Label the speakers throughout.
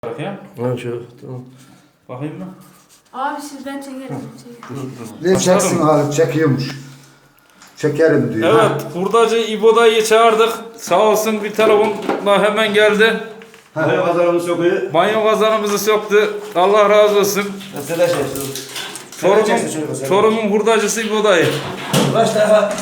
Speaker 1: Ya.
Speaker 2: Ha şu tamam.
Speaker 1: Bakayım mı?
Speaker 3: Abi sizden çekerim.
Speaker 4: Ne çeksin Halit, çekiyormuş. Çekerim diyor.
Speaker 1: Evet, hurdacı İbo dayıyı çağırdık. Sağ olsun bir telefonla hemen geldi.
Speaker 2: Banyo kazanımız sokuyor.
Speaker 1: Banyo kazanımızı söktü. Allah razı olsun.
Speaker 2: Mesela şey.
Speaker 1: Çorum'un hurdacısı İbo dayı.
Speaker 2: Kaç defa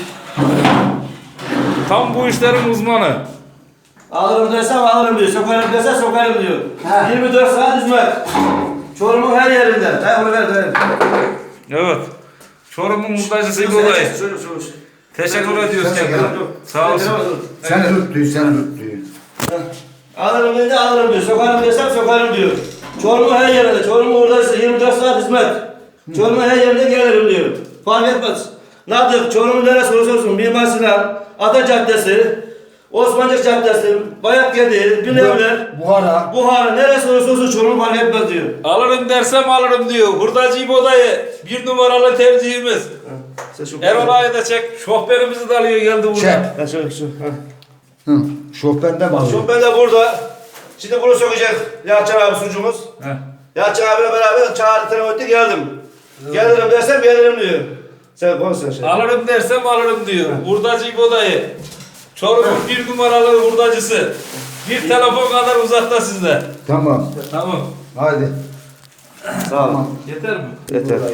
Speaker 1: Tam bu işlerin uzmanı.
Speaker 2: alırım desem alırım diyor. Sokarım desem sokarım diyor. 24 saat hizmet. Çorum'un her yerinde. Dayı bunu ver dayı.
Speaker 1: Evet. Çorum'un hurdacısı İbo dayı. Teşekkür ediyoruz kendine. Sağ olsun.
Speaker 4: Sen tut diyor, sen tut diyor.
Speaker 2: Alırım dedi alırım diyor. Sokarım desem sokarım diyor. Çorum'un her yerinde. Çorum'un oradaysa 24 saat hizmet. Çorum'un her yerinde gelirim diyor. Fark etmez. Nadık, Çorum'un neresi olursa olsun. Mimar Sinan, Ata Caddesi, Osmancık Caddesi, Bayakkedi, Binevler, Buhara neresi olursa olsun Çorum fark etmez diyor.
Speaker 1: Alırım dersem alırım diyor. Hurdacı İbo dayı. Bir numaralı tercihimiz. Erol ağayı da çek. Şoförümüzü de alıyor geldi burada.
Speaker 4: Çek.
Speaker 2: Ha şöyle şu.
Speaker 4: Hı. Şofbende mi alıyor?
Speaker 2: Şoför de burada. Şimdi bunu sokacak Yalçın abi sucumuz.
Speaker 1: Heh.
Speaker 2: Yalçın abiyle beraber çağırdı telefon etti geldim. Gelirim dersem gelirim diyor. Sen konuş sen şey.
Speaker 1: Alırım dersem alırım diyor. Hurdacı İbo dayı. Çorum'un bir numaralı hurdacısı. Bir telefon kadar uzakta sizde.
Speaker 4: Tamam.
Speaker 1: Tamam.
Speaker 4: Hadi.
Speaker 2: Sağ ol.
Speaker 1: Yeter mi?
Speaker 2: Yeter.